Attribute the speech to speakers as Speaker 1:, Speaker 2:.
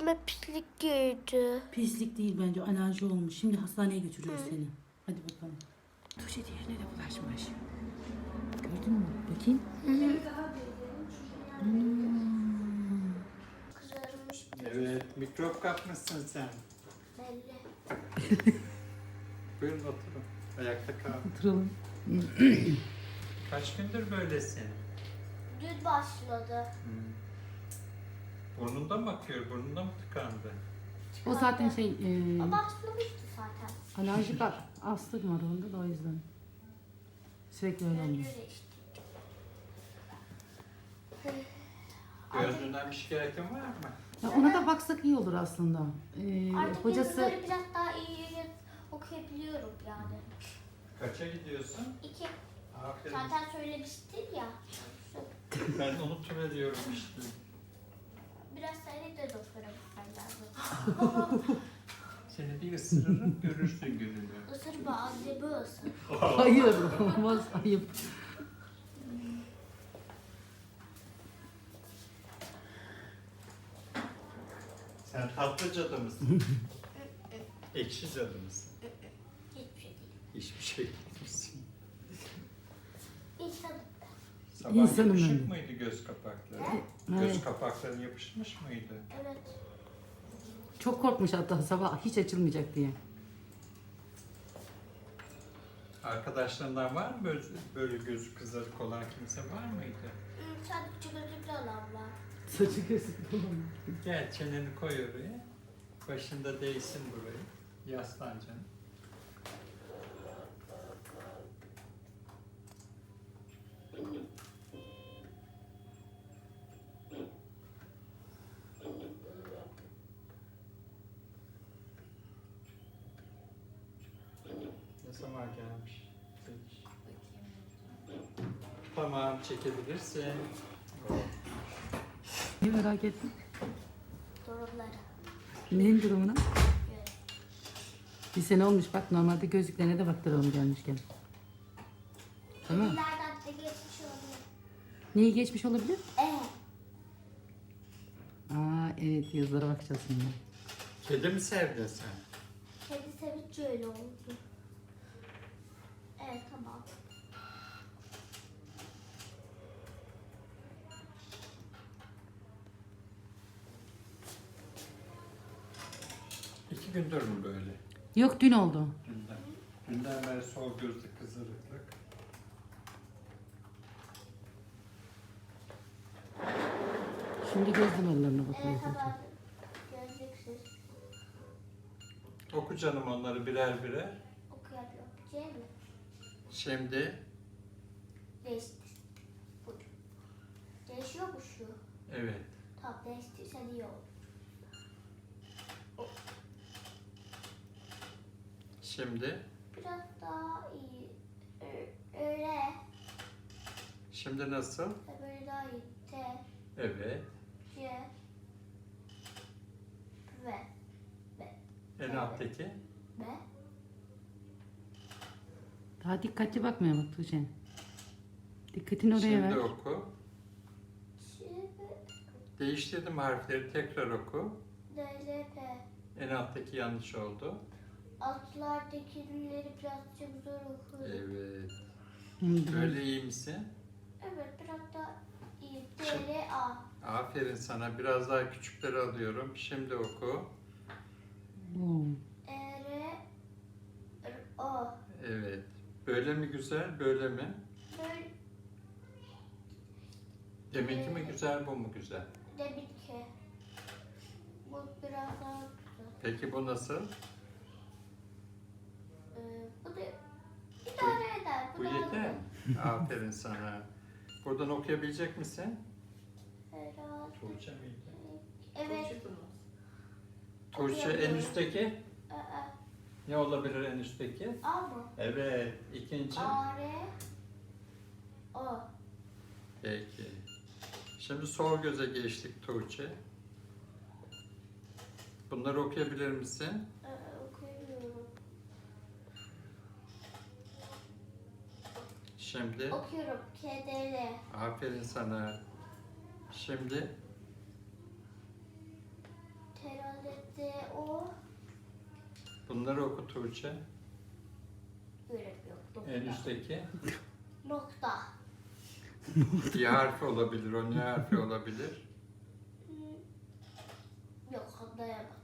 Speaker 1: Gözüme pislik girdi.
Speaker 2: Pislik değil bence, alerji olmuş. Şimdi hastaneye götürüyoruz seni. Hadi bakalım. Tuğçe diğerine de bulaşmış. Gördün mü? Bakayım.
Speaker 1: Kızarmış
Speaker 3: Evet, mikrop kapmışsın sen.
Speaker 1: belli.
Speaker 3: Buyurun oturun. Ayakta kal.
Speaker 2: Oturalım.
Speaker 3: Kaç gündür böylesin?
Speaker 1: Dün başladı.
Speaker 3: Burnunda mı akıyor? Burnunda mı tıkandı?
Speaker 2: O zaten
Speaker 1: O başlamıştı zaten.
Speaker 2: alerjik astım var onda da o yüzden. Sürekli öyle oluyor.
Speaker 1: Öyle işte.
Speaker 3: Gözünden bir şikayetin var mı?
Speaker 2: Ya ona da baksak iyi olur aslında.
Speaker 1: Artık
Speaker 2: Hocası
Speaker 1: yazıları biraz daha iyi okuyabiliyorum yani.
Speaker 3: Kaça gidiyorsun?
Speaker 1: 2.
Speaker 3: Aferin.
Speaker 1: Zaten söylemiştin ya.
Speaker 3: Ben unutuveriyorum işte.
Speaker 1: Biraz seni de doktora gitmem lazım.
Speaker 3: Seni bir ısırırım, görürsün gününü.
Speaker 1: Isırma annemi ısır.
Speaker 2: hayır olmaz, ayıp.
Speaker 3: Sen tatlı cadı mısın? Ekşi cadı mısın?
Speaker 1: Hiçbir şey değil.
Speaker 3: Hiçbir şey değilsin.
Speaker 1: İnsanım.
Speaker 3: Sabah
Speaker 2: İnsanım
Speaker 3: yapışık
Speaker 2: ben.
Speaker 3: mıydı göz kapakları?
Speaker 1: Ne?
Speaker 2: Evet.
Speaker 3: Göz kapakları yapışmış mıydı?
Speaker 1: Evet.
Speaker 2: Çok korkmuş hatta sabah hiç açılmayacak diye.
Speaker 3: Arkadaşlarından var mı böyle gözü kızarık olan kimse var mıydı?
Speaker 1: Sadece gözlüklü olan var.
Speaker 2: Saçı gözü falan.
Speaker 3: Gel çeneni koy oraya. Başında değsin burayı. Yaslan canım. Ne zaman gelmiş? Peki. Tamam, çekebilirsin.
Speaker 2: Niye merak ettin?
Speaker 1: Durumları.
Speaker 2: Neyin durumuna?
Speaker 1: Göre.
Speaker 2: Bir sene olmuş bak, normalde gözlüklerine de baktıralım gelmişken. Tamam.
Speaker 1: Nereden de geçmiş oluyor.
Speaker 2: Neyi geçmiş olabilir?
Speaker 1: Evet.
Speaker 2: Aa evet, yazılara bakacağız şimdi.
Speaker 3: Kedi mi sevdin sen?
Speaker 1: Kedi sevince öyle oldu. Evet tamam.
Speaker 3: İki gündür mü böyle?
Speaker 2: Yok, dün oldu.
Speaker 3: Dünden. Dünden beri sol gözlü kızarıklık.
Speaker 2: Şimdi göz damarlarına
Speaker 1: Evet
Speaker 2: bakıyoruz.
Speaker 1: tamam. Gözlüksüz.
Speaker 3: Oku canım onları birer birer.
Speaker 1: Okuyabiliyorum. C mi?
Speaker 3: Şimdi
Speaker 1: Değişti. Bu. Değişiyor mu şu?
Speaker 3: evet.
Speaker 1: Tamam değiştirsen iyi olur.
Speaker 3: Şimdi
Speaker 1: Biraz daha iyi. Öyle.
Speaker 3: şimdi nasıl?
Speaker 1: Böyle daha iyi. T,
Speaker 3: Evet.
Speaker 1: C, V,
Speaker 3: En alttaki.
Speaker 1: B.
Speaker 2: Daha dikkatli bakmaya bak Tuğçe. Dikkatini oraya
Speaker 3: Şimdi
Speaker 2: ver.
Speaker 3: oku.
Speaker 1: Şimdi
Speaker 3: Değiştirdim harfleri, tekrar oku.
Speaker 1: D, L, P.
Speaker 3: En alttaki yanlış oldu.
Speaker 1: Altlardakileri birazcık zor okuyorum.
Speaker 3: Evet.
Speaker 2: Hı,
Speaker 3: Böyle iyi misin?
Speaker 1: Evet biraz daha iyi. D, L, A.
Speaker 3: Aferin sana. Biraz daha küçükleri alıyorum. Şimdi oku.
Speaker 2: Oo.
Speaker 1: E, R, O.
Speaker 3: Evet. Böyle mi güzel, böyle mi?
Speaker 1: Böyle
Speaker 3: Deminki mi güzel, bu mu güzel?
Speaker 1: demin ki. Bu biraz daha güzel.
Speaker 3: Peki bu nasıl?
Speaker 1: Bu da idare eder.
Speaker 3: Bu
Speaker 1: daha
Speaker 3: yeter mi? Aferin sana. Buradan okuyabilecek misin?
Speaker 1: Herhalde.
Speaker 3: Tuğçe miydi?
Speaker 1: Evet.
Speaker 3: Tuğçe en üstteki.
Speaker 1: Aa,
Speaker 3: Ne olabilir en üstteki?
Speaker 1: A mı?
Speaker 3: Evet. İkinci.
Speaker 1: A, R, O.
Speaker 3: Peki. Şimdi sol göze geçtik Tuğçe. Bunları okuyabilir misin?
Speaker 1: Okuyuyorum.
Speaker 3: Şimdi.
Speaker 1: Okuyorum. K, D, L.
Speaker 3: Aferin sana. Şimdi.
Speaker 1: T, işareti o.
Speaker 3: Bunları oku Tuğçe.
Speaker 1: Göremiyorum.
Speaker 3: En üstteki.
Speaker 1: Nokta.
Speaker 3: İ harfi olabilir. O ne harfi olabilir?
Speaker 1: Yok anlayamadım.